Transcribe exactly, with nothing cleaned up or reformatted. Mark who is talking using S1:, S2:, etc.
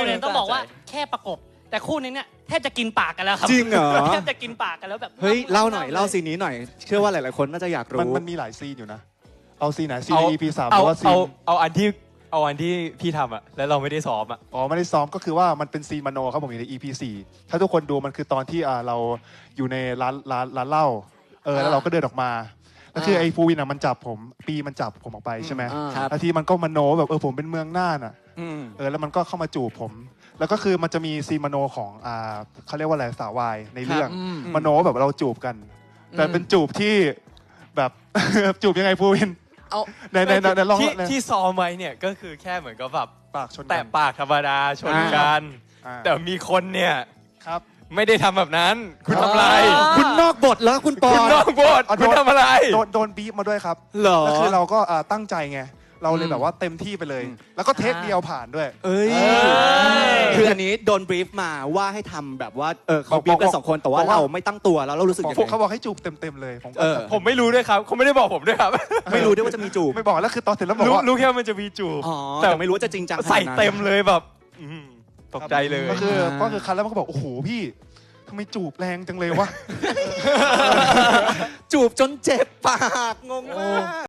S1: เนี่ยต้องบอกว่าแค่ประกบแต่คู่นี้เนี่ยแทบจะกินปากกันแล้วครับ
S2: จริงเหรอ
S1: แทบจะกินปากกันแล้วแบบ
S2: เฮ้ยเล่าหน่อยเล่าซีนนี้หน่อยเชื่อว่าหลายๆคนน่าจะอยากรู้
S3: มันมันมีหลายซีนอยู่นะเอาซีนไหนซีน
S4: เอา
S3: อี พี สามห
S4: เอา
S3: รือว่าซี
S4: เอา
S3: น
S4: เอาอันที่เอาอันที่พี่ทำอะแล้วเราไม่ได้ซ้อมอะ
S3: อ๋อไม่ได้ซ้อมก็คือว่ามันเป็นซีนมโนครับผมอยู่ใน อี พี สี่ ถ้าทุกคนดูมันคือตอนที่อ่าเราอยู่ในร้านร้านร้านเหล้าเออแล้วเราก็เดินออกมาแล้วคือไอ้ฟูวินอ่ะมันจับผมปีมันจับผมออกไปใช่ไหมแล้วทีมันก็มโนแบบเออผมเป็นเมืองน่านอ่ะเออแล้วมันก็เข้ามาจูบผมแล้วก็คือมันจะมีซีนมโนของอ่าเขาเรียกว่าอะไรสาววายในเรื่องมโนแบบเราจูบกันแต่เป็นจูบที่แบบ จูบยังไงฟูวิน
S2: เอา
S3: ในในในลอง
S4: ที่ที่ซ้อมไว้เนี่ยก็คือแค่เหมือนกับแบบ
S3: ปากชน
S4: แตะปากธรรมดาชนกันแต่มีคนเนี่ย
S3: ครับ
S4: ไม่ได้ทำแบบนั้นคุณทำอะไร
S2: คุณนอกบทแล้วคุณปอ
S4: คุณนอกบทคุณทำอะไร
S3: โดนโดนบีบมาด้วยครับ
S2: เหรอ
S3: แล้วคือเราก็ตั้งใจไงเราเลยแบบว่าเต็มที่ไปเลย แล้วก็เทคเดียวผ่านด้วย
S2: เอ้ยคืออันนี้โดนบรีฟมาว่าให้ทำแบบว่าเออเขาบรีฟกันสองคนแต่ว่าเราไม่ตั้งตัวแล้วเรารู้สึกยังไง
S3: เขาบอกให้จูบเต็มๆเลยผม
S4: ผมไม่รู้ด้วยครับเขาไม่ได้บอกผมด้วยครับ
S2: ไม่รู้ด้วยว่าจะมีจูบ
S3: ไม่บอกแล้วคือตอนเสร็จแล้วบอกว่า
S4: รู้แค่มันจะมีจูบ
S2: แต่ไม่รู้ว่าจะจริงจัง
S4: ใส่เต็มเลยแบบตกใจเลย
S3: ก็คือก็คือคันแล้วมันก็บอกโอ้โหพี่ทำไมจูบแรงจังเลยวะ
S2: จูบจนเจ็บปากงงมาก